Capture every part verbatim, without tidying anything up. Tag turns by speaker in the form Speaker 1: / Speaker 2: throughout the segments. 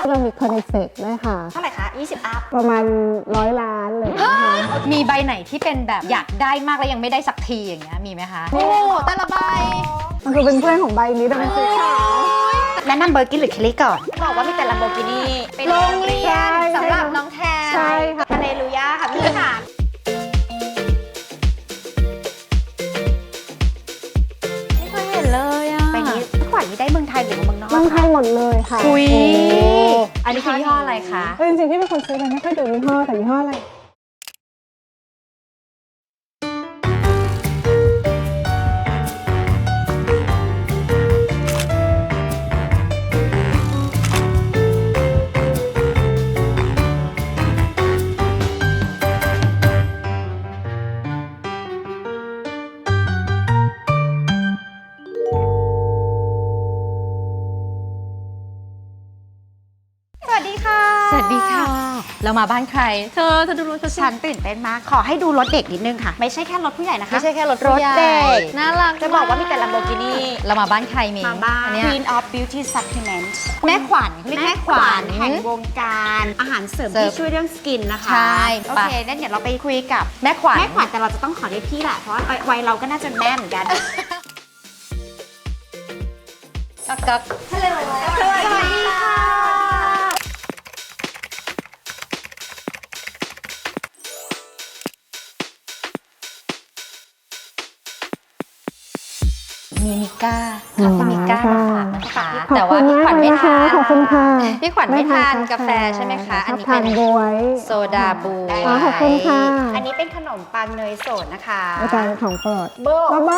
Speaker 1: เรามีคอนเซ็ปต์ด้วยค่ะ
Speaker 2: เท่าไหร่คะยี่สิบอัพ
Speaker 1: ประมาณร้อยล้านเลยนะคะ
Speaker 3: มีใบไหนที่เป็นแบบอยากได้มากแล้วยังไม่ได้สักทีอย่างเงี้ยมีไหมคะโอ้แต่ละใบ
Speaker 1: มันคือเป็นเพื่อนของใบนี้แต่มันคือขาว
Speaker 2: แนะนำเบอร์กินหรือเคลลี่ก่อนบอกว่ามีแต่ลัมโบกินี่เป็นโรงเรียนสำหรับน้องแทน
Speaker 1: ใช่ค่ะ
Speaker 2: ฮาเลลูยาค่ะพี่ค่ะ
Speaker 3: ไม่เคยเห็นเลยอ่ะ
Speaker 2: ใบนี้ขวัญนี้ได้เมืองไทยหรือเมืองนอก
Speaker 1: เมืองไทยหมดเลยค่ะ
Speaker 3: คุยอันนี้คือยี่ห้ออะไรคะ
Speaker 1: จริงๆพี่เป็นคนซื้อเลยไม่ค่อยดูยี่ห้อแต่ยี่ห้ออะไร
Speaker 2: สวัสดีค่ะ
Speaker 3: สวัสดีค่ะเรามาบ้านใครเธอเธอดูรถ
Speaker 2: ฉันตื่นเต้นมากขอให้ดูรถเด็กนิดนึงค่ะไม่ใช่แค่รถผู้ใหญ่นะคะ
Speaker 3: ไม่ใช่แค่รถ
Speaker 2: รถเด็ก
Speaker 3: น่ารัก
Speaker 2: จะบอกว่ามีแต่ลัมโบกินี่
Speaker 3: เรามาบ้านใครมี
Speaker 2: มาบ้าน Queen of Beauty Supplement
Speaker 3: แม่ขวัญเรียกแม่ขวัญ
Speaker 2: แห่งวงการอาหารเสริมที่ช่วยเรื่องสกินนะคะ
Speaker 3: ใช่
Speaker 2: โอเคงั้นเดี๋ยวเราไปคุยกับ
Speaker 3: แม่ขวัญ
Speaker 2: แม่ขวัญแต่เราจะต้องขอเรียกพี่แหละเพราะว่าวัยเราก็น่าจะแม่เหมือนกัน
Speaker 3: กักกักฮัลโหล
Speaker 2: สวัสดีค่ะ
Speaker 3: มีมิก้าค่ะพี่มิก้าค่ะแต่ว่าพี่
Speaker 1: ขวัญ
Speaker 3: ไม่ทาน
Speaker 1: ขอบคุณค่ะ
Speaker 3: พี่ขวัญไม่ทานกาแฟใช่ไหมคะอันนี้เป็น
Speaker 1: บวย
Speaker 3: โซดาบู
Speaker 1: ขอบคุณค่ะ
Speaker 2: อันนี้เป็นขนมปังเนยสดนะคะ
Speaker 1: อาจารย์ของโปรด
Speaker 2: โบ
Speaker 1: โบ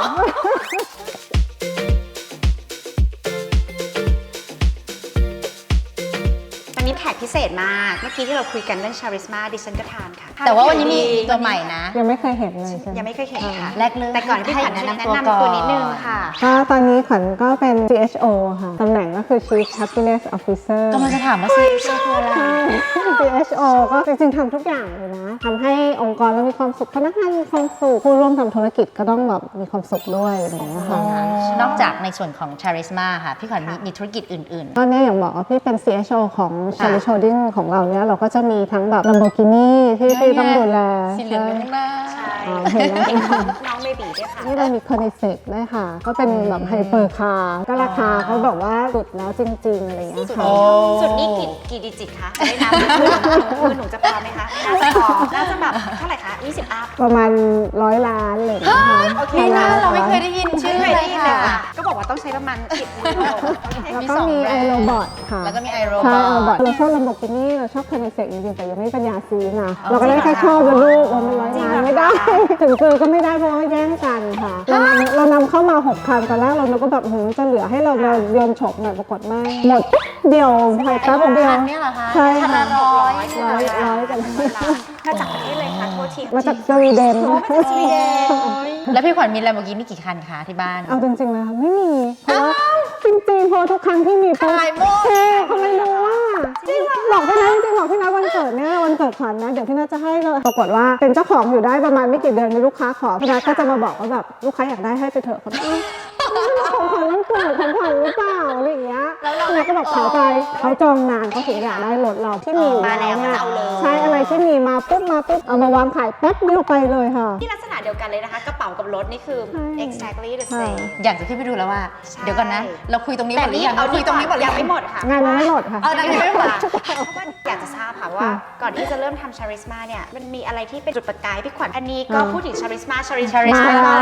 Speaker 2: วันนี้แขกพิเศษมากเมื่อกี้ที่เราคุยกันเรื่องชาริสมาดิฉันก็ทานค่ะ
Speaker 3: แต่ว่าวันนี้มีตัวใหม่นะ
Speaker 1: ยังไม่เคยเห็นเลยใช่ไหม
Speaker 2: ยังไม่เคยเห็นค่ะ
Speaker 3: แรกเลย
Speaker 2: แต่ก่อนพี่ขวัญแนะนำตัวก่อนนิดนึงค่ะ
Speaker 1: ก็ตอนนี้ขวัญก็เป็น ซี เอช โอ ค่ะตำแหน่งก็คือ Chief Happiness Officer
Speaker 3: ก็มันจะถามว่าซี เอช โอ คืออะไร
Speaker 1: ซี เอช โอ ก็จริงๆทำทุกอย่างเลยนะทำให้องค์กรเรามีความสุขพนักงานมีความสุขผู้ร่วมทำธุรกิจก็ต้องแบบมีความสุขด้วยอะไรอย่างเงี้ยค่ะ
Speaker 3: นอกจากในส่วนของชาริสมาค่ะพี่ขวัญมีธุรกิจอื่น
Speaker 1: ๆตอนนี้อย่างบอกว่าพี่เป็น ซี เอช โอ ของ Charlie Holding ของเราเนี่ยเราก็จะมีทั้งแบบ Lamborghini ที่พี่ต้องดูแล
Speaker 3: สีเหลืองข้างหน้า
Speaker 2: เห็นแล้วน้องเบบีด้วยค่ะ
Speaker 1: นี่เรามีคอนเซ็ปต์ด้วยค่ะก็เป็นแบบไฮเปอร์คาร์ก็ราคาเขาแบบว่าสุดแล้วจริงๆอะไรอย่างเงี้ยค่ะ
Speaker 2: สุดนี่กี่กี่ดิจิตคะได้นับมือหนูจะพอไหมคะน่าจะพอน่าจะแบบเท่าไหร่คะยี่สิบอัพ
Speaker 1: ประมาณร้อยล้านเลยนะคะ
Speaker 2: โอเค
Speaker 3: นะเราไม่เคยได้ยินชื่อเลยค่ะ
Speaker 2: ก็บอกว่าต้องใช้ประมาณสิบมือ
Speaker 1: แล้วก็มีไอโรบอทค่ะ
Speaker 3: แล้วก็มีไอโรบ
Speaker 1: อทเราชอบ Lamborghini เราชอบคอนเซ็ปต์จริงๆแต่ยังไม่ปัญญาซื้อนะเราก็ได้แค่ชอบเป็นลูกวันเป็นร้อยล้านไม่ได้ถึงซื้อก็ไม่ได้เพราะว่าแย่งกันค่ะเรานำเรานำเข้ามาหกคันตอนแรกเราก็แบบหืมจะเหลือให้เราเดินฉกหน่อยปรากฏไม่หมดเดียวภายใต้เดียวใช่ค่ะ
Speaker 3: ร้อย
Speaker 1: ร้อยร้อยกัน
Speaker 2: มาจากประเทศเลยค่ะโทษที
Speaker 1: มาจากสวีเดน
Speaker 2: มาจากสวีเดน
Speaker 3: แล้วพี่ขวัญมี Lamborghini กี่คันคะที่บ้าน
Speaker 1: เอาจริงๆเลยค่ะไม่มีเพราะว่าจริงๆพอทุกครั้งที่มีปุ๊บเท่เขาไม่รู้ว่าบอกพี่นัทจริงๆบอกพี่นัทวันเกิดเนี่ยวันเกิดขวัญนะเดี๋ยวพี่นัทจะให้เลยปรากฏว่าเป็นเจ้าของอยู่ได้ประมาณไม่กี่เดือนมีลูกค้าขอพี่นัทก็จะมาบอกว่าแบบลูกค้าอยากได้ให้ไปเถอะเขาของขวัญวันเกิดของขวัญหรือเปล่าอะไรอย่างเงี้ยแล้วเราก็บอกเขาไปเขาจองนานเขาถึงอยากได้รถเราที่มี
Speaker 2: มาแล้วเนี่ย
Speaker 1: ใช่อะไรที่มีมาปุ๊บมาปุ๊บเอามาวางขายแป๊บเดียวไปเลยค่ะ
Speaker 2: ที่ลักษณะเดียวกันเลยนะคะกระเป๋ากับรถนี่คือ exactly the same
Speaker 3: อยากจะขึ้นไปดูแล้วว่าเดี๋ยวก่อนนะเราคุยตรงนี้หมดหรือยัง
Speaker 2: เราคุยตรงนี้หมดยังไม่หมดค่ะ
Speaker 1: งานยังไม่หมดค่ะ
Speaker 3: เอายังไม่หมด
Speaker 2: เพราะว่าอยากจะทราบค่ะว่าก่อนที่จะเริ่มทำชาริสมาเนี่ยมันมีอะไรที่เป็นจุดประกายพี่ขวัญอันนี้ก็พูดถึงชาริสมาชาริสมา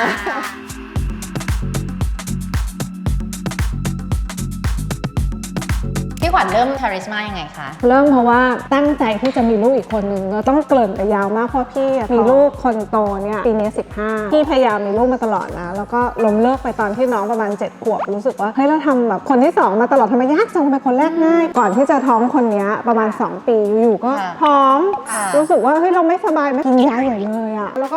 Speaker 3: พี่ขวัญเริ่มชาริสมายังไงคะ
Speaker 1: เริ่มเพราะว่าตั้งใจที่จะมีลูกอีกคนนึงเราต้องเกริ่นไปยาวมากเพราะพี่มีลูกคนโตเนี่ยปีนี้สิบห้าพี่พยายามมีลูกมาตลอดนะแล้วก็ล้มเลิกไปตอนที่น้องประมาณเจ็ดขวบรู้สึกว่าเฮ้ยเราทำแบบคนที่สองมาตลอดทำไมยากจังเป็นคนแรกง่ายก่อนที่จะท้องคนนี้ประมาณสองปีอยู่ก็ท้องรู้สึกว่าเฮ้ยเราไม่สบายไม่กินยาใหญ่เลยอะแล้วก็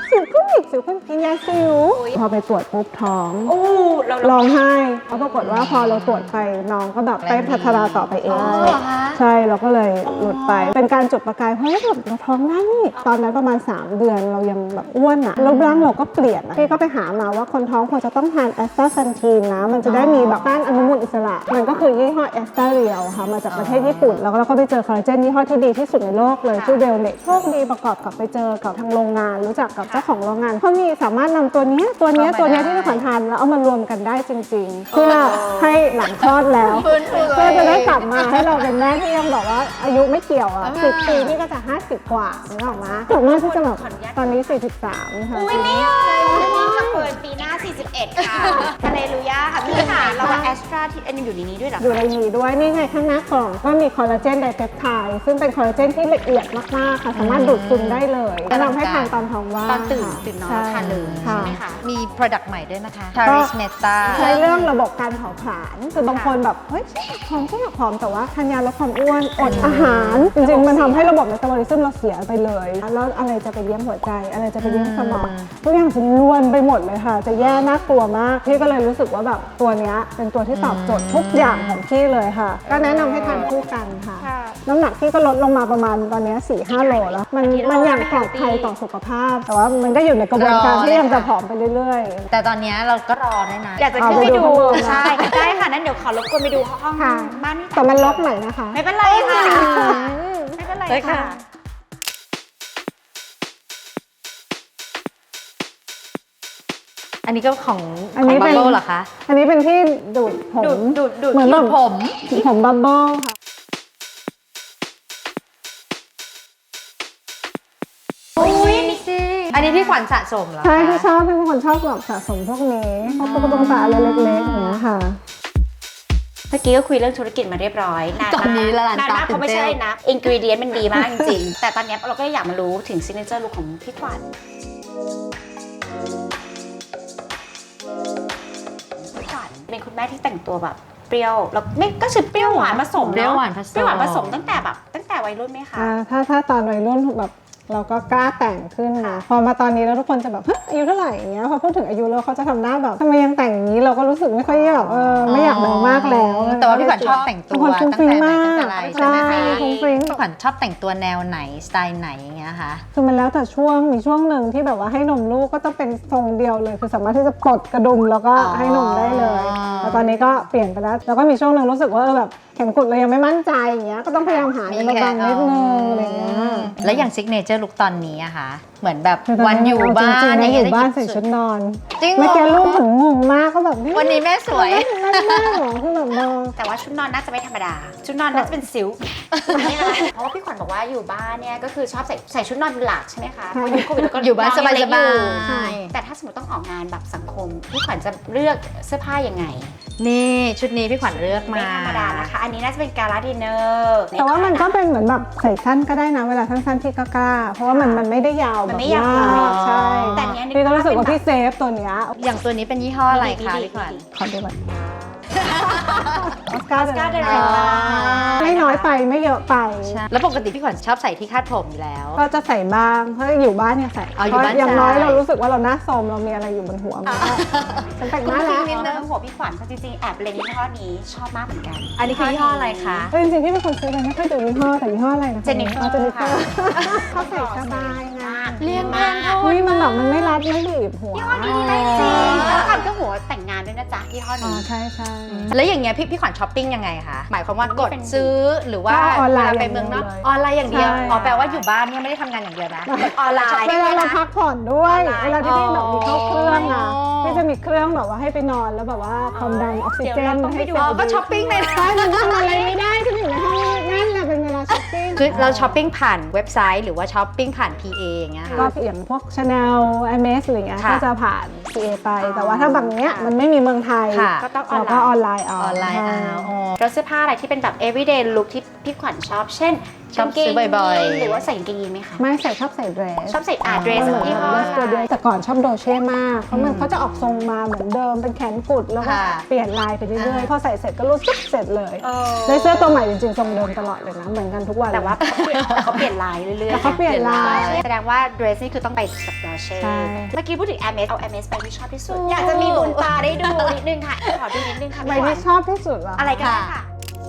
Speaker 1: สิวขึ้นอีกสิวขึ้นกินยาสิวพอไปตรวจปุ๊บท้อง
Speaker 2: โอ้เรา
Speaker 1: ร้องไห้เพราะปรากฏว่าพอเราตรวจไปน้องก็แบบไปพัฒนาต่อไปเอง
Speaker 3: อ๋อเหรอคะ
Speaker 1: ใช่เราก็เลยหลุดไปเป็นการจุดประกายเฮ้ยแบบเราท้องได้นี่ตอนนั้นประมาณสามเดือนเรายังแบบอ้วนอ่ะรูปร่างเราก็เปลี่ยนอะพี่ก็ไปหามาว่าคนท้องควรจะต้องทานแอสตาซันทีนนะมันจะได้มีแบบต้านอนุมูลอิสระมันก็คือยี่ห้อแอสตาเรียลค่ะมาจากประเทศญี่ปุ่นแล้วก็เราก็ไปเจอคอลลาเจนยี่ห้อที่ดีที่สุดในโลกเลยชื่อเดลเน็กโชคดีประกอบกับไปเจอกับทางโรงงานรู้จักกับเจ้าของโรงงานเขามีสามารถนำตัวเนี้ยตัวเนี้ยตัวเนี้ยที่เราขวัญทานแล้วเอามารวมกันได้จริงๆเพื่อให้หลังคลอดแล้ว
Speaker 3: ฟื้นฟูตัว
Speaker 1: เพื่อ
Speaker 3: เอง
Speaker 1: จะได้กลับมาให้เราเป็นแม่ที่ยังบอกว่าอายุไม่เกี่ยวอ่ะสิบปีนี่ก็จะห้าสิบกว่านึกออกไหมถึงแม่ที่จะแบบตอนนี้สี่สิบสามค่ะ
Speaker 2: อุ้ยไม่เลยนี่จะเปิดปีหน้าสี่สิบเอ็ดค่ะฮาเลลูยาค่ะพี่ค่ะเราแอสตราที่อันนี้อยู่ในนี้ด้วยเหรอ
Speaker 1: อยู่ในนี้ด้วยนี่ไงข้างหน้ากล่องก็มีคอลลาเจนไดเปปไทด์ซึ่งเป็นคอลลาเจนที่ละเอียดมากๆค่ะสามารถดูดซึมได้เลยแนะนำให้ทานตอนท้องว่าง
Speaker 2: ตอนตื่น
Speaker 1: ค่ะ
Speaker 2: ตื่นนอน
Speaker 1: ใช่
Speaker 2: ทานเลยใช่ไหมคะ
Speaker 3: มี product ใหม่ด้วยนะคะ Charis Meta
Speaker 1: ใช้เรื่องระบบการเผาผลาญคือบางคนแบบเฮ้ยฉันอยากผอมฉันอยากผอมแต่ว่าทานยาลดความอ้วนอดอาหารจริงๆมันทำให้ระบบเมตาบอลิซึมเราเสียไปเลยแล้วอะไรจะไปเลี้ยงหัวใจอะไรจะไปเลี้ยงสมองทุกอย่างจะล้วนไปหมดเลยค่ะจะแย่น่ากลัวมากพี่ก็เลยรู้สึกว่าแบบตัวเนี้ยเป็นตัวที่ตอบโจทย์ทุกอย่างของพี่เลยค่ะก็แนะนำให้ทานคู่กันค่ะ
Speaker 2: ค่ะ
Speaker 1: น้ำหนักพี่ก็ลดลงมาประมาณตอนเนี้ สี่ห้าโลแล้วมัน
Speaker 2: กิโล
Speaker 1: มันอย่างปลอดภัย
Speaker 2: ไม่
Speaker 1: ต่อสุขภาพ แต่ว่ามันก็อยู่ในกระบวนการ
Speaker 3: รอ
Speaker 1: ที่ยัง
Speaker 3: เลยค่ะ
Speaker 1: จะผอมไปเรื่อยๆ
Speaker 3: แต่ตอนนี้เราก็รอได้นะ
Speaker 2: อยากจะขึ้นไป
Speaker 1: เอาไปดู
Speaker 2: ดู
Speaker 1: ข้างบนนะ
Speaker 2: ใช่ได้ค่ะนั้นเดี๋ยวขอรบกวนไปดูห้อง
Speaker 1: ค่ะ
Speaker 2: บ้านนี่
Speaker 1: แต่มันลกหน่อยนะคะ
Speaker 2: ไม่เป็นไรค่ะไม่เป็นไร
Speaker 3: ได้ค่ะ
Speaker 2: ค่ะ
Speaker 3: อันนี้ก็ของ
Speaker 1: อันนี้
Speaker 3: ของ
Speaker 1: เป็น
Speaker 3: Bubble เหรอคะ
Speaker 1: อันนี้เป็นที่ดูดผม
Speaker 2: ดูดดูดดูด
Speaker 1: เหมือนแบบ
Speaker 3: ผม
Speaker 1: ผมบับเบิ้ลค่ะ
Speaker 3: อุ้ยนี่สิอันนี้พี่ขวัญสะสมเหรอคะ
Speaker 1: ใช่ที่ชอบเป็นคนชอบแบบสะสมพวกนี้พวกตุ๊กตาอะไรเล็กๆอย่างเงี้ยค่ะ
Speaker 2: เมื่อกี้ก็คุยเรื่องธุรกิจมาเรียบร้อยนาน
Speaker 3: ตอนนี้ละลาน
Speaker 2: นาน
Speaker 3: ตาม
Speaker 2: ากเพราะไม่ใช่นะอินกรีเดียนมันดีมากจริงๆ แต่ตอนเนี้ยเราก็อยากมารู้ถึงซิกเนเจอร์ลุคของพี่ขวัญพี่ขวัญเป็นคุณแม่ที่แต่งตัวแบบเปรี้ยวแล้วไม่ก็คือเปรี้ยวหวานผสม
Speaker 3: เปรี้ยว
Speaker 2: เนาะ
Speaker 3: หวานผสม
Speaker 2: เปรี้ยวหวานผสมตั้งแต่แบบตั้งแต่วัยรุ่นไหมคะ
Speaker 1: อ่าถ้าถ้าตอนวัยรุ่นแบบเราก็กล้าแต่งขึ้นนะพอมาตอนนี้แล้วทุกคนจะแบบเฮ้ยอายุเท่าไหร่อย่างเงี้ยพอพูดถึงอายุแล้วเขาจะทำหน้าแบบทำไมยังแต่งอย่างนี้เราก็รู้สึกไม่ค่อยแบบเออไม่อยากเดินมากแล้ว
Speaker 3: แต่ว่าพี่ขวัญชอบแต่งตัว
Speaker 1: เป็นคนฟุ้งฟิ้งมาก
Speaker 3: ตั้งแต่ไหนตั้งแต่ไรใช่ไหม
Speaker 1: ใช่
Speaker 3: คะ
Speaker 1: ฟุ้งฟิ้ง
Speaker 3: พี่ขวัญชอบแต่งตัวแนวไหนสไตล์ไหนอย่างเงี้ยคะ
Speaker 1: คือมันแล้วแต่ช่วงมีช่วงหนึ่งที่แบบว่าให้นมลูกก็ต้องเป็นทรงเดียวเลยคือสามารถที่จะปลดกระดุมแล้วก็ให้นมได้เลยแต่ตอนนี้ก็เปลี่ยนไปแล้วแล้วก็มีช่วงหนึ่งรู้สึกว่าเออแบบแขนกุดเรายังไม่มั่นใจอย่างเงี้ยก็ต้องพยายามหาอะไรมาบังนิดนึงอะไรเงี้ย
Speaker 3: แล้วอย่างซิกเนเจอร์ลุคตอนนี้อะคะเหมือนแบบ
Speaker 1: คือต
Speaker 3: วันอยู่บ้าน
Speaker 1: เจริงๆนะอยู่บ้าน
Speaker 3: ได้
Speaker 1: ใส่ชุดนอน
Speaker 3: จริงเหรอ
Speaker 1: เมื่อกี้ลูกผมงงมากก็แบบ
Speaker 3: วันนี้แม่สวย
Speaker 1: นั่นมากเหรอคือแบบมอง
Speaker 2: แต่ว่าชุดนอนน่าจะไม่ธรรมดา ชุดนอนน่าจะเป็นซิลค์เพราะว่าพี่ขวัญบอกว่าอยู่บ้านเนี่ยก็คือชอบใส่ใส่ชุดนอนเป็นหลักใช่ไหมคะเพราะยุคโควิดแล้วก็
Speaker 3: อยู่บ้าน
Speaker 2: องยังเล็ก
Speaker 3: สบายๆ
Speaker 2: อยู่ใช่แต่ถ้าสมมติต้องออกงานแบบสังคมพี่ขวัญจะเลือกเสื้อผ้ายังไง
Speaker 3: นี่ชุดนี้พี่ขวัญเลือกมา
Speaker 2: ไม่ธรรมดานะคะ อันนี้น่าจะเป็นการาดินเนอร์
Speaker 1: แต่ว่ามันก็เป็นเหมือนแบบใส่สั้นก็ได้นะเวลาสั้นๆที่ก็กล้าเพราะว่ามันมันไม่ได้ยาว
Speaker 2: มัน
Speaker 1: แบบ
Speaker 2: ไม่ยาว
Speaker 1: มากใช่
Speaker 2: แต่อันเนี้ยนึ
Speaker 1: พี่ก็รู้สึกว่า
Speaker 2: เป็นแบบ
Speaker 1: พี่เซฟตัวเนี้ย
Speaker 3: อย่างตัวนี้เป็นยี่ห้ออะไรคะพี่ขวัญ
Speaker 1: ขอดูก่อนออสการ์
Speaker 2: Oscar
Speaker 1: เด
Speaker 2: de
Speaker 1: ล
Speaker 2: la Renta
Speaker 1: ไม่น้อยไปไม่เยอะไป
Speaker 3: ใช่แล้วปกติพี่ขวัญชอบใส่ที่คาดผมอยู่แล้ว
Speaker 1: ก็จะใส่บ้างเพราะอยู่บ้านเนี่ยใส่
Speaker 3: อ๋ออยู่บ้าน
Speaker 1: เพระอย่างน้อย
Speaker 3: ใส่
Speaker 1: เรารู้สึกว่าเราหน้าโทรมเรามีอะไรอยู่บนหัวมันก็ฉันแต่งหน้าแล้ว
Speaker 2: นิดนึงหัวพี่ขวัญเพราะจริงๆแอบเล็งยี่ห้อนี้ชอบมากเหมือนกัน
Speaker 3: อันนี้คือยี่ห้ออะไรคะ
Speaker 1: เออจริงๆที่เป็นคนซื้อไปไม่ค่อยดูยี่ห้อแต่ยี่ห้ออะไรนะคะ
Speaker 2: Jennifer
Speaker 1: อ๋อ Jennifer
Speaker 2: ค่ะ
Speaker 1: เขาใส่สบายไง
Speaker 3: เรียนแพงเท่า
Speaker 1: อุ้ยมันแบบมันไม่รัดไม่บีบหัว
Speaker 2: ยี่ห้อนี้ดีมากจริงแล้วทำเครื่องหัวแต่งงานด้วยนะจ๊ะยี่ห้อ
Speaker 1: อ๋อ
Speaker 2: นี้
Speaker 1: ใช่ใช่
Speaker 3: แล้วอย่างเงี้ยพี่พี่ขวัญช้อปปิ้งยังไงคะหมายความว่ากดซื้อหรือว่า
Speaker 1: ก็ออนไลน์
Speaker 3: เวาไปเมืองนอก
Speaker 1: อย่างเดียวเลย
Speaker 3: ออนไลน์อย่างเดียว
Speaker 1: ใช่
Speaker 3: อ๋อแปลว่าอยู่บ้านเนี่ยไม่ได้ทำงานอย่างเดียวนะกดออนไลน์
Speaker 1: เวลาเราพักผ่อนด้วย
Speaker 2: ออนไลน์
Speaker 1: เวลาที่พี่แบบมีเข้าเครื่องอ่ะ
Speaker 3: อ๋อ
Speaker 1: พี่จะมีเครื่องแบบว่าให้ไปนอนแล้วแบบว่าความดันออกซิเจน
Speaker 2: เดี๋ยวเราต้องไปดู
Speaker 1: ให้
Speaker 3: อ๋อก็ช้อปปิ้งเลยนะ
Speaker 1: ใช่มันทำอะไรไม่ได้ฉันอยู่ในห้องนั่นแหละเป็นเวลาช้อปปิ้ง
Speaker 3: คือเราช้อปปิ้งผ่านเว็บไซต์หรือว่าช้อปปิ้งผ่าน พี เอ อย่างเงี้ย
Speaker 1: ก็
Speaker 3: ค่ะ
Speaker 1: อย่างพวก Chanel ไอ เอ็ม เอส อะไรเงี้ย
Speaker 3: ค่ะ
Speaker 1: ก็จะผ่าน พี เอ ไป แต่ว่าถ้าบางเนี้ยมันไม่มีเมืองไทย
Speaker 3: ค่ะ
Speaker 2: ก็ต้องออ
Speaker 1: เรา
Speaker 2: นไล
Speaker 1: ก็
Speaker 2: น์
Speaker 1: ออนไลน์เอา
Speaker 3: ออนไลน์
Speaker 1: ใช่
Speaker 3: เอาอ๋อ
Speaker 2: แล้วเสื้อผ้าอะไรที่เป็นแบบ everyday look ที่พี่ขวัญชอบ เช่น
Speaker 3: ชอบซื้อบ่อยๆ
Speaker 2: หรือว่าใส่กางเกงยีนไหมคะ
Speaker 1: ไม่ใส่ชอบใส่เดรส
Speaker 2: ชอบใส่อาเดรส
Speaker 1: เหมือน
Speaker 2: ยี่ห้อ
Speaker 1: เดรสตัวเดียวแต่ก่อนชอบโดเช่มากเพราะมันเขาจะออกทรงมาเหมือนเดิมเป็นแขนกุดแล้วก็
Speaker 3: ค่ะ
Speaker 1: เปลี่ยนลายไปเรื่อยๆพอใส่เสร็จก็รู้สึกเสร็จเลย
Speaker 2: เออ
Speaker 1: ได้เสื้อตัวใหม่จริงๆทรงเดิมตลอดเลยนะเหมือนกันทุกวัน
Speaker 2: แต่ว่า
Speaker 1: เลย
Speaker 2: แต่เขาเปลี่ยนลายเรื่อยๆ
Speaker 1: แต่เขาเปลี่ยนลาย
Speaker 2: แสดงว่าเดรสนี่คือต้องไปกับดอเช่
Speaker 1: ใช่
Speaker 2: เมื่อกี้พูดถึง แอร์เมส เอา แอร์เมส ไปที่ชอบที่สุด อยากจะมีบุญตาได้ดูนิดนึงค่ะ ขอดูนิดนึงค่ะ
Speaker 1: ใบ
Speaker 2: พี่ขวั
Speaker 1: ที่
Speaker 2: ญ
Speaker 1: ชอบที่สุดเหรอ
Speaker 2: อะไรกันค่ะ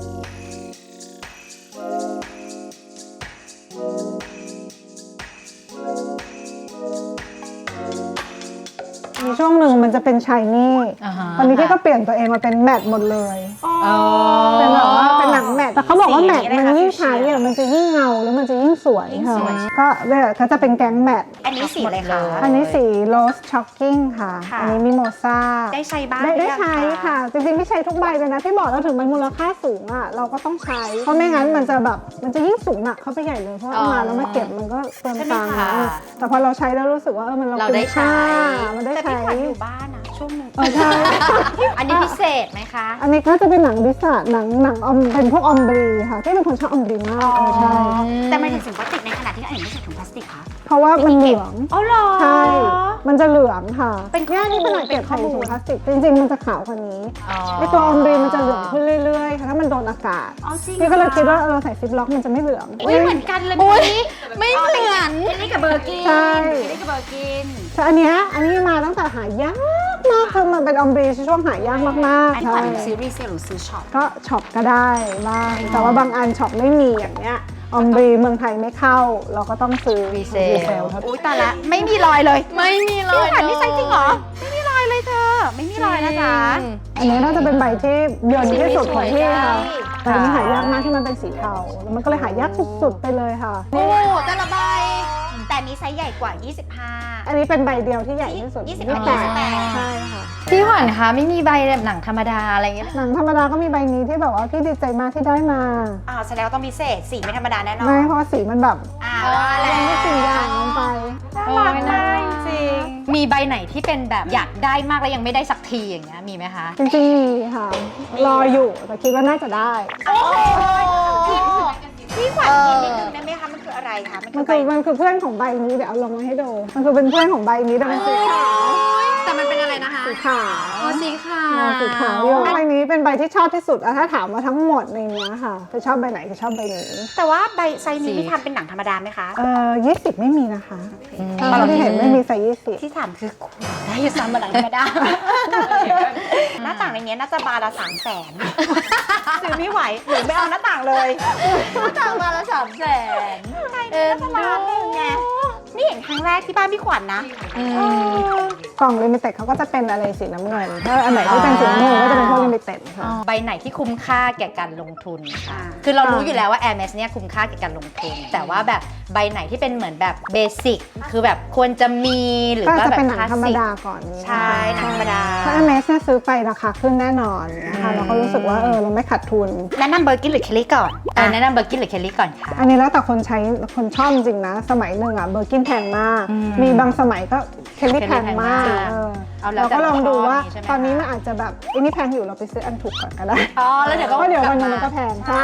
Speaker 1: มีช่วงหนึ่งมันจะเป็นชายนี่
Speaker 3: อ่าฮะ
Speaker 1: ตอนนี้พี่ก็เปลี่ยนตัวเองมาเป็นแมตต์หมดเลย
Speaker 2: อ๋อ
Speaker 1: เป็นแบบว่าเป็นหนังแมตต์แต่เขาบอกว่าแมตต์
Speaker 2: สีอะไร
Speaker 1: มัน
Speaker 2: คะ
Speaker 1: ยิ่ง
Speaker 2: สี
Speaker 1: ใช้
Speaker 2: เขียว
Speaker 1: อะมันจะยิ่งเงาแล้วมันจะยิ่งสวย
Speaker 2: ยิ่ง
Speaker 1: ค่ะ
Speaker 2: สวย
Speaker 1: ก็เนี่ยเขาจะเป็นแก๊งแมตต์
Speaker 2: อันนี้สีอะไรคะ
Speaker 1: อันนี้สีโรสช็อกกิ้งค่ะ
Speaker 2: ค่ะ
Speaker 1: อันนี้มิโมซา
Speaker 2: ได้ใช้บ้าง
Speaker 1: ได้
Speaker 2: หรื
Speaker 1: ได้
Speaker 2: อยัง
Speaker 1: ใช้ค่ะ จริงๆพี่ใช้ทุกใบเลยนะที่บอกเราถึงมันมูลค่าสูงอ่ะเราก็ต้องใช้ เพราะไม่งั้นมันจะแบบมันจะยิ่งสูงหนักเข้าไปใหญ่เลยเพราะเอามาแล้วมาเก็บมันก็เปลืองตังค์
Speaker 3: ใช่ไหมคะ
Speaker 1: เออแต่พอเราใช้แล้วรู้สึกว่าเออมันเรา
Speaker 3: เราได้
Speaker 1: คุ้มค่า
Speaker 3: ใช้
Speaker 1: มันได้
Speaker 2: แต่
Speaker 1: ใช้
Speaker 2: พี่ขวัญอยู่บ้านนะช่วงหนึง
Speaker 1: เออใช่
Speaker 3: อันนี้พิเศษไหมคะ
Speaker 1: อันนี้ก็จะเป็นหนังดิสาหนังหนังออมเป็นพวกออมบรีค่ะที่เป็นคนชอบออมบรีมากเออใช่
Speaker 2: แต่ไม่ถึงถุงพลาสติกในขณะที่อันนี้ไม่ใช่ถุงพลาสติกคะ
Speaker 1: เพราะว่ามันเหลือง
Speaker 2: อ๋อเหรอ
Speaker 1: ใช่ มันจะเหลืองค่ะ
Speaker 2: เป็นข้อมูล
Speaker 1: เนี่ยนี่ขนาดเก็บ
Speaker 2: เป็นข้
Speaker 1: ใส่
Speaker 2: อมูล
Speaker 1: ถุงพลาสติกจริงๆมันจะขาวกว่านี้
Speaker 3: อ๋อ
Speaker 1: ไอตัวออมบรีมันจะเหลืองขึ้นเรื่อยๆค่ะถ้ามันโดนอากาศ
Speaker 2: อ๋อจริง
Speaker 1: พี่ก็เลย
Speaker 2: หรอ
Speaker 1: คิดว่าเราใส่ซิปล็อกมันจะไม่เหลือง
Speaker 2: อุ้ยเหมือนกันเลย
Speaker 3: อุ๊ย
Speaker 2: นี้
Speaker 3: ไม่เหมือน
Speaker 2: อันนี้กับเบอร์กิน
Speaker 1: ใช่
Speaker 2: อันนี้กับเบอร์กิน
Speaker 1: แต่อันเนี้ยอันนี้มาตั้งแต่หายากมากคือมันเป็นออมบรีช่วงหายากมาก
Speaker 2: อัน
Speaker 1: ๆ
Speaker 2: นี้ข
Speaker 1: ใช่
Speaker 2: วัญซื้อรีเซลหรือซื้อช็อป
Speaker 1: ก็ช็อปก็ได้บ้างแต่ว่าบางอันช็อปไม่มีอย่างเนี้ยออมบรีเมืองไทยไม่เข้า เราก็ต้องซื้อ
Speaker 3: รีเซล
Speaker 1: ครับ
Speaker 2: อุ้ยตายละไม่มีรอยเลย
Speaker 3: ไม่มีเล
Speaker 2: พี่
Speaker 3: ย
Speaker 2: ขวัญนี่ใช้จริงเหรอ ไม่มีรอยเลยเธอ ไม่มีรอยนะจ๊ะ
Speaker 1: อันนี้น่าจะเป็นใบที่เยินที่สุดของพี่ค่ะ
Speaker 2: ใช่
Speaker 1: แต่อันนี้หายากมากที่มันเป็นสีเทาแล้วมันก็เลยหายากสุดๆไปเลยค่ะ
Speaker 3: โอ้แต่ละใบ
Speaker 2: แต่มีไซส์ใหญ่กว่า ยี่สิบห้า
Speaker 1: อันนี้เป็นใบเดียวที่ใหญ่ที่สุด
Speaker 2: ยี่สิบ
Speaker 1: ยี่
Speaker 2: แป
Speaker 1: สิ
Speaker 2: ด
Speaker 1: บแปดใช่ค่ะ
Speaker 3: พี่ขวัญคะไม่มีใบแบบหนังธรรมดาอะไรอย่างเงี้ย
Speaker 1: หนังธรรมดาก็มีใบนี้ที่แบบว่าพี่ดีใจมากที่ได้มา
Speaker 2: อ่าแสดงว่าต้องพิเศษ สีไม่ธรรมดาแน่นอน
Speaker 1: ไม่เพราะว่าสีมันแบบ
Speaker 2: อ่าว่าแล้ว
Speaker 1: ไม่สิ่งอย่างลงไป
Speaker 2: น่ารักมากจริง
Speaker 3: มีใบไหนที่เป็นแบบอยากได้มากแล้วยังไม่ได้สักทีอย่างเงี้ยมีไหมคะ
Speaker 1: จริงๆมีค่ะ รออยู่แต่คิดว่าน่าจะได้
Speaker 2: โอ้โหพี่ขวัญกินนิดนึงได้ไหมคะ มันคืออะไรคะ มัน
Speaker 1: มั
Speaker 2: คื
Speaker 1: น
Speaker 2: อใบ
Speaker 1: คือมันคือเพื่อนของใบนี้เดี๋ยวเอาลงมาให้ดู มันคือเป็นเพื่อนของใบนี้แต่มันสีขาว
Speaker 3: แต่มันเป็นอะไรนะคะ
Speaker 1: สีขาว
Speaker 3: อ๋อสีขาว
Speaker 1: อ่าสีขาวอยู่ใบนี้เป็นใบที่ชอบที่สุดอะถ้าถามว่าทั้งหมดในเนี้ยค่ะจะชอบใบไหนจะชอบใบนี้
Speaker 2: แต่ว่าใบไซส์นี้มีทำเป็นหนังธรรมดาไหมคะ
Speaker 1: เอ่อยี่สิบไม่มีนะคะ
Speaker 3: อืม
Speaker 1: ถ้าที่เห็นไม่มีไซส์ยี่สิบ
Speaker 2: ที่ถามคือคุณได้อยู่ซ้ำมาหนังธรรมดา หน้าต่างในเนี้ยน่าจะบานละสามแสนซื้อไม่ไหวหรือไม่เอาหน้าต่างเลย
Speaker 3: หน้าต่างมาละสามแสน
Speaker 2: ใช่น่าจะล้านหนึ่งไงนี่เห็นครั้งแรกที่บ้านพี่ขวัญนะ
Speaker 3: อื
Speaker 2: เอ
Speaker 3: ม
Speaker 2: อ
Speaker 1: กล่องลิมิเต็ดเขาก็จะเป็นอะไรสีน้ำเงินถ้าอันไหนที่เป็นสีน้ำเงินก็จะเป็นพวกลิมิเต็ดค่ะ
Speaker 3: ใบไหนที่คุ้มค่าแก่การลงทุน
Speaker 2: อ่า
Speaker 3: คือเรารู้อยู่แล้วว่า Hermes เนี่ยคุ้มค่าแก่การลงทุน แต่ว่าแบบใบไหนที่เป็นเหมือนแบบเบสิก คือแบบควรจะมีหรือ
Speaker 1: ก็
Speaker 3: ว่า
Speaker 1: จะ
Speaker 3: แบบ
Speaker 1: เป็นหนัง
Speaker 3: คลาส
Speaker 1: ธรรม
Speaker 3: สิก
Speaker 1: ดาก่อนนี้
Speaker 2: ใช่หนังธรรมดา
Speaker 1: ถ้าเอเมสเนี่ยซื้อไปราคาขึ้นแน่นอนนะคะเราก็รู้สึกว่าเออเราไม่ขาดทุน
Speaker 2: แนะนำเบอร์กินหรือเคลลี่ก่อน
Speaker 3: เออแนะนำเบอร์กินหรือเคลลี่ก่อนค่ะ
Speaker 1: อันนี้แล้วแต่คนใช้คนชอบจริงๆนะ สมัยหนึ่งอ่ะเบอร์กินแพงมาก
Speaker 3: อืม
Speaker 1: มีบางสมัยก็เคลลี่แพงมาก
Speaker 3: เคลลี่แพงมาก
Speaker 1: เออ
Speaker 3: เอาแล้ว
Speaker 1: เราก็ลองดูว่า
Speaker 3: แต่ชอบนี่ใช่ไหม
Speaker 1: ตอนนี้มันอาจจะแบบอันนี้แพงอยู่เราไปซื้ออันถูกก่อนก็ได้
Speaker 3: อ๋อแล้วเดี๋ยวก็
Speaker 1: เพราะเดี๋ยววันหนึง
Speaker 3: กลับา
Speaker 1: มันก็แพงใช่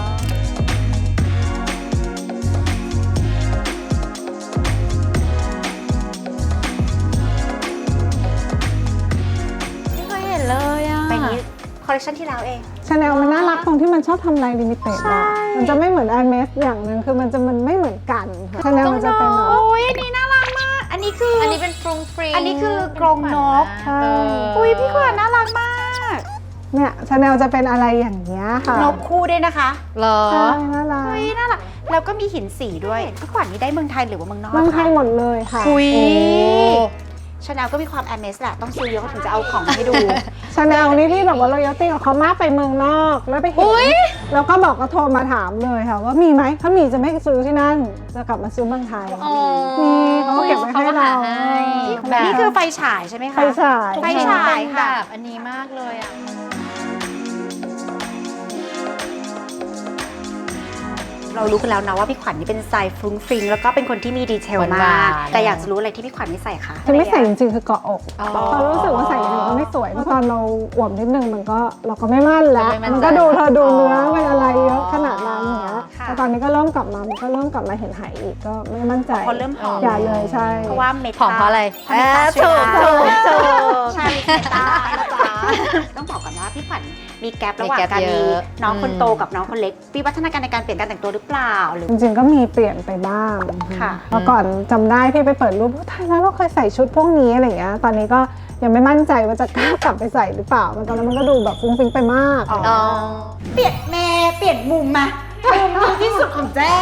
Speaker 3: ไม่เคยเห็นเลยอ่ะ
Speaker 2: ใบนี้คอลเลคชันที่แล้วเอง
Speaker 1: ชาแนลมันน่ารักตรงที่มันชอบทำลายลิมิเต็ด
Speaker 2: ใช่
Speaker 1: อะมันจะไม่เหมือนอันเมสอย่างหนึ่งคือมันจะมันไม่เหมือนกันชาแนลมันจะเป็นแบบ
Speaker 2: โอ้ยอันนี้น่ารักมาก อันนี้คือ
Speaker 3: อั
Speaker 2: อั
Speaker 3: นนี้เป็นฟรุงฟริง
Speaker 2: อันนี้คือกรงนก
Speaker 1: ใช่
Speaker 2: อุ้ยพี่ขวัญน่ารักมาก
Speaker 1: เนี่ยชาแนลจะเป็นอะไรอย่างเงี้ยค่ะ
Speaker 2: นกคู่ด้วยนะคะ
Speaker 3: เหรอ
Speaker 1: ใช่น่ารัก
Speaker 2: เฮ้ยน่ารักแล้วก็มีหินสีด้วยพี่ขวัญนี่ได้เมืองไทยหรือว่าเมืองนอก
Speaker 1: เมืองไทย
Speaker 2: คะ
Speaker 1: หมดเลยค่ะ
Speaker 2: คุย
Speaker 3: โอ้
Speaker 2: ชาแนลก็มีความแอมเมสแหละ ต้องซื้อเยอะเขาถึงจะเอาของมาให้ดู
Speaker 1: ชาแนลนี่ที่แบบว่าเรายอตติ้งกับเขามากไปเมืองนอกแล้วไปเห็นแล้วก็บอกก็โทรมาถามเลยค่ะ ว่ามีไหมถ้ามีจะไม่ซื้อที่นั่นจะกลับมาซื้อเมืองไทย
Speaker 3: อ๋อ
Speaker 1: มีเขาก็เก็บไว้ให้เรา
Speaker 3: เขาก็หาให้แบบ
Speaker 2: นี่คือไฟฉายใช่ไหมคะ
Speaker 1: ไฟฉาย
Speaker 2: ไฟฉาย
Speaker 3: เป็นแบบอันนี้มากเลยอ่ะ
Speaker 2: เรารู้กันแล้วนะว่าพี่ขวัญนี่เป็นสายฟรุ้งฟริงแล้วก็เป็นคนที่มีดีเทล
Speaker 3: หวาม
Speaker 2: าน ก
Speaker 3: ๆ
Speaker 2: แต่อยากจะรู้อะไรที่พี่ขวัญไม่ใส่คะ
Speaker 1: ที่ไม่ใส่จริงๆคือเกาะอก
Speaker 3: อ๋อ
Speaker 1: พอรู้สึกว่าใส่อย่างอื่นก็ไม่สวยเพราะตอนเราอวบนิดนึงมันก็เราก็ไม่มั่นแล้ว
Speaker 3: ไม่มั่นใจ
Speaker 1: มันก็ดูเธอดูเนื้อเป็นอะไรเยอะขนาดนั้นอย่างเงี้ย
Speaker 2: ค่ะ
Speaker 1: แต่ตอนนี้ก็เริ่มกลับมามันก็เริ่มกลับมาเห็นหายอีกก็ไม่มั่นใจ
Speaker 2: พอเริ่มหอม
Speaker 1: อย่าเลยใช่
Speaker 2: เพราะว่าเมตา
Speaker 3: ผอมเพราะอะไร
Speaker 2: เพราะเมตา
Speaker 3: ถูกถูกถูก
Speaker 2: ใช่เมตานะจ๊ะต้องบอกก่อนว่าพี่ขวัญมีแกลระหว่าง
Speaker 3: มีแกป
Speaker 2: การ
Speaker 3: เย
Speaker 2: มี
Speaker 3: อะ
Speaker 2: น้องคน
Speaker 3: อืม
Speaker 2: โตกับน้องคนเล็กมีพัฒนาการในการเปลี่ยนการแต่งตัวหรือเปล่าหรือ
Speaker 1: จริงๆก็มีเปลี่ยนไปบ้าง
Speaker 2: ค่ะ
Speaker 1: เมื่อก่อนจำได้พี่ไปเปิดรูปว่าถ่ายแล้วเราเคยใส่ชุดพวกนี้อะไรอย่างเงี้ยตอนนี้ก็ยังไม่มั่นใจว่าจะกล้ากลับไปใส่หรือเปล่ามันตอนนั้นมันก็ดูแบบฟุ้งฟิ้งไปมาก
Speaker 2: อ๋อ เปลี่ยนแม่เปลี่ยนมุมมามุมดีที่สุดของแจ้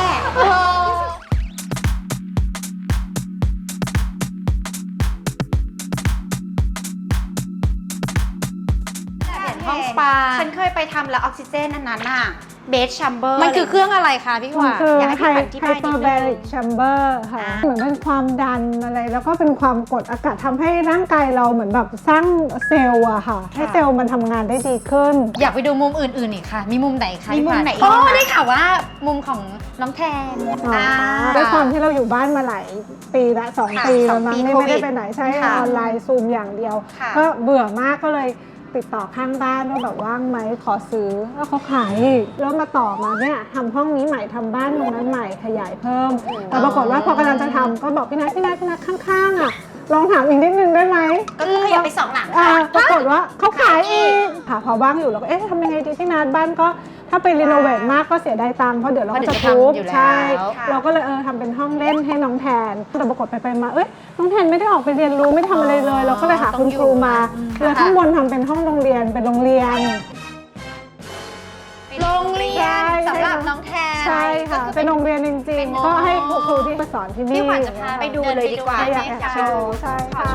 Speaker 2: ห้องสปาฉันเคยไปทำแล้วออกซิเจนอันนั้นน่ะเบสชัมเบอร์
Speaker 3: มันคือเครื่องอะไรคะพี่ข
Speaker 1: มั
Speaker 3: วัน ญ
Speaker 1: คือ
Speaker 2: อยากให้
Speaker 1: ไฮ
Speaker 2: พี่ขวัญอธิบายนิดนึง
Speaker 1: เปอร์เบริกแชมเบอร์ค่ะ
Speaker 2: อ่า
Speaker 1: เหมือนเป็นความดันอะไรแล้วก็เป็นความกดอากาศทำให้ร่างกายเราเหมือนแบบสร้างเซลล์อะค่ะ ให้เซลล์มันทำงานได้ดีขึ้น
Speaker 3: อยากไปดูมุมอื่นๆอีกค่ะ มีมุมไหนคะ
Speaker 2: มีมุมไหนอีก
Speaker 3: โอ้
Speaker 2: ไหมคะ
Speaker 3: ได้ข่าวว่ามุมของน้องแทน
Speaker 1: อ๋อ
Speaker 3: อ่า
Speaker 1: ด้วยความที่เราอยู่บ้านมาหลายปีละสอง
Speaker 2: ค่ะ
Speaker 1: ปี
Speaker 2: ส
Speaker 1: แล้
Speaker 2: อ
Speaker 1: ว
Speaker 2: ง
Speaker 1: มั้ง
Speaker 2: ปี
Speaker 1: นี่
Speaker 2: โควิ
Speaker 1: ไม่
Speaker 2: ด
Speaker 1: ได้ไปไหนใช้
Speaker 2: ค่ะ
Speaker 1: ออนไลน์ซูมอย่างเดียว
Speaker 2: ค่ะ
Speaker 1: ก็เบื่อมากก็เลยติดต่อข้างบ้านว่าแบบว่างไหมขอซื้อแล้วเขาขายอีกแล้วมาต่อมาเนี่ยทำห้องนี้ใหม่ทำบ้านตรงนั้นใหม่ขยายเพิ่มแต่ปรากฏว่าพอกำลังจะทำก็บอกพี่นัทพี่นัทพี่นัทข้างๆอ่ะลองถามอีกนิดนึงได้ไหม
Speaker 2: ก็คือขยับไปสองหลัง
Speaker 1: อ่า
Speaker 2: ค่ะ
Speaker 1: ปรากฏว่าเขาขายอีกค่ะพอว่างอยู่เราก็เอ๊ะทำยังไงดีพี่นัทบ้านก็ถ้าไปรีโนเวทมากก็เสียดายตังค์เพราะเดี๋ยวเราก็จะทุบใช่ เราก็เลยเออทำเป็นห้องเล่นให้น้องแทนแต่ปรากฏไปไปมาเอ้ยน้องแทนไม่ได้ออกไปเรียนรู้ไม่ทำอะไรเลย เราก็เลยหาคุณครูมาแล้วข้างบนทำเป็นห้องโรงเรียนเป็นโรงเรียน
Speaker 3: โรงเรียนสำหรับน้องแทน
Speaker 1: ใช่ค่ะเป็นโรงเรียนจริงๆก็ให้ครูครูที่มาสอนที่นี่
Speaker 3: พี่ขวัญจะพา
Speaker 2: ไปดูเลยดีกว่า
Speaker 1: อยากอยากไปดูใช่ค่ะ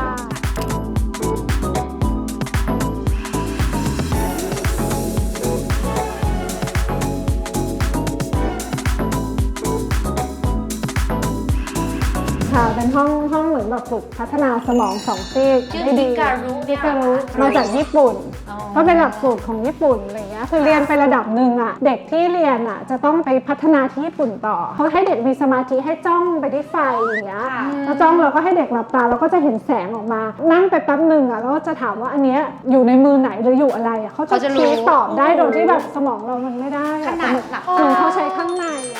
Speaker 1: ค่ะเป็นห้องห้องเหมือนแบบฝึกพัฒนาสมองสองซีก
Speaker 3: ชื่อ
Speaker 1: ได้ดี
Speaker 3: ฮิการุ
Speaker 1: ฮิการุมาจากญี่ปุ่น
Speaker 3: อ๋อ
Speaker 1: ก็เป็นหลักสูตรของญี่ปุ่นอะไรเงี้ยคือเรียนไประดับหนึ่งอะเด็กที่เรียนอะจะต้องไปพัฒนาที่ญี่ปุ่นต่อเขาให้เด็กมีสมาธิให้จ้องไปที่ไฟอย่างเงี้ย
Speaker 2: ค่ะ
Speaker 1: แล้วจ้องเราก็ให้เด็กหลับตาเราก็จะเห็นแสงออกมา นั่งไปแป๊บหนึ่งอะแล้วก็จะถามว่าอันเนี้ยอยู่ในมือไหนหรืออยู่อะไรอะเขาจะ
Speaker 3: เขาจะรู้
Speaker 1: ชี้ตอบได้โดยที่แบบสมองเรามันไม่ได้อะ
Speaker 2: ขนาด
Speaker 1: แต่
Speaker 2: หลับ
Speaker 1: เหมือนเขาใช้ข้างในอะ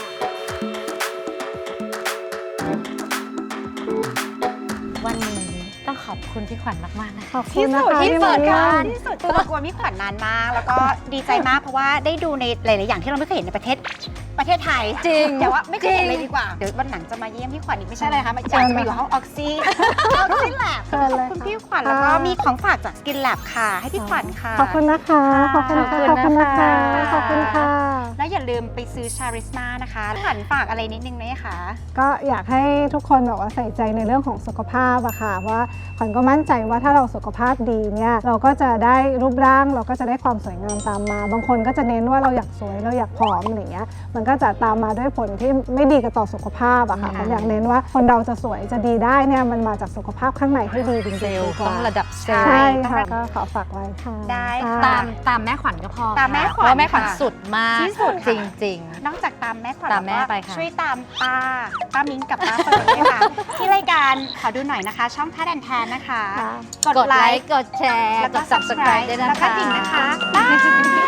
Speaker 3: วันนี้ต้องขอบคุณพี่ขวัญมากๆนะคะ
Speaker 1: ขอบคุณนะคะ
Speaker 3: ที่เปิด
Speaker 1: มา
Speaker 3: การ
Speaker 2: ที่สุดตัวกลัวพี่ขวัญนานมาก แล้วก็ดีใจมากเพราะว่าได้ดูในหลาย ๆ อย่างที่เราไม่เคยเห็นในประเทศประเทศไทย
Speaker 3: จริง
Speaker 2: แต่ว่าไม่เคยเห็น
Speaker 3: จริง
Speaker 2: เลยดีกว่า เดี๋ยววันหลังจะมาเยี่ยมพี่ขวัญอีกไม่ใช่อะไรคะมาอยากจะไปอยู่ห้องออกซิออกซิแลบ
Speaker 1: เชิญ
Speaker 2: ข
Speaker 1: เล
Speaker 2: อบ
Speaker 1: ย
Speaker 2: คุณ
Speaker 1: ค่ะ
Speaker 2: พี่ขวัญแล้วก็มีของฝากจากสกินแลบค่ะ ให้พี่ขวัญค่ะ
Speaker 1: ขอบคุณนะคะ ขอบคุณค่ะ ขอบคุณนะคะ ขอบคุณค่ะ
Speaker 2: แล้วอย่าลืมไปซื้อชาริสมานะคะพี่ขวัญฝากอะไรนิดนึงไหมคะ
Speaker 1: ก็อยากให้ทุกคนแบบว่าใส่ใจในเรื่องของสุขภาพอะค่ะว่าขวัญก็มั่นใจว่าถ้าเราสุขภาพดีเนี่ยเราก็จะได้รูปร่างเราก็จะได้ความสวยงามตามมา บางคนก็จะเน้นว่าเราอยากสวยเราอยากผอมอะไรเงี้ยมันก็จะตามมาด้วยผลที่ไม่ดีกับต่อสุขภาพอะค่ะขวัญอยากเน้นว่าคนเราจะสวยจะดีได้เนี่ยมันมาจากสุขภาพข้างในให้ดีจริงๆ
Speaker 3: เซลล์
Speaker 1: ดีก
Speaker 3: ต้
Speaker 1: ว่า
Speaker 3: องระดับเซลล์
Speaker 1: ใช่
Speaker 2: ต้อง
Speaker 1: ค่ะ
Speaker 2: ระดับ
Speaker 1: ก็ขอฝากไว้ค่ะ
Speaker 2: ได้ค่ะ
Speaker 3: ตามตามแม่ขวัญก็พอ
Speaker 2: ตามแม่ขวัญ
Speaker 3: เพราะแม่ขวัญ
Speaker 2: ค่ะ
Speaker 3: สุดมาก
Speaker 2: ที่สุด
Speaker 3: จ
Speaker 2: ค่ะ
Speaker 3: ริง
Speaker 2: นอกจากตามแม่ขวัญ
Speaker 3: ตามแม่
Speaker 2: ล้วก็
Speaker 3: ไปค่ะ
Speaker 2: ช่วยตามป้าป้ามิ้งกับป้าเฟิร์นด้วยค่ะ ที่รายการขอดูหน่อยนะคะ ช่องแพทแอนแทนนะคะ
Speaker 1: ค่ะ
Speaker 3: ๆ กดไลค์ กดแชร์
Speaker 2: แล้ว
Speaker 3: ก
Speaker 2: ก็
Speaker 3: ด subscribe ด้วยนะ
Speaker 2: แล้วก็
Speaker 3: คะ
Speaker 2: ดิ่งนะคะบ๊าย